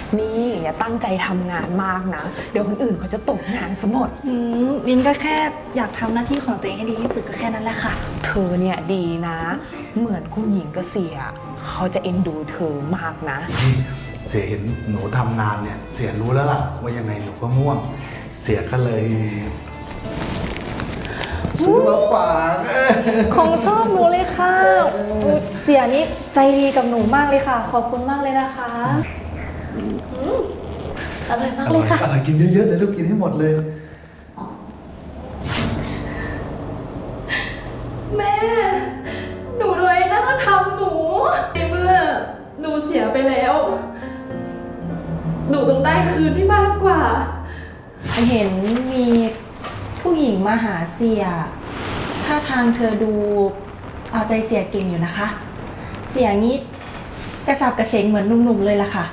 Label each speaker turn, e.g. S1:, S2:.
S1: นี่อย่าตั้งใจทำงานมากนะเดี๋ยวคนอื่นเขาจะตกงานซะหมด
S2: ลินก็แค่อยากทำหน้าที่ของตัวเองให้ดีที่สุดก็แค่นั้นแหละค่ะ
S1: เธอเนี่ยดีนะ เหมือนคุณหญิงเกษียเขาจะเอ็นดูเธอมากนะ
S3: นี่เสียเห็นหนูทำงานเนี่ยเสียรู้แล้วล่ะว่ายังไงหนูก็ง่วง เสียก็เลยซื้อมาฝาก
S2: ของชอบหนูเลยค่ะเสียนี่ใจดีกับหนูมากเลยค่ะขอบคุณมากเลยนะคะอร่อยมากเลยค่ะ
S3: อร่อยกินเยอะๆเลยลูกกินให้หมดเลย
S2: แม่หนูโดยนั่นก็ทำหนูในเมื่อหนูเสียไปแล้วหนูต้องได้คืนที่มากกว่าเห็นมีผู้หญิงมาหาเสียท่าทางเธอดูเอาใจเสียเก่งอยู่นะคะเสียงี้กระฉับกระเฉงเหมือนหนุ่มๆเลยล่ะค่ะ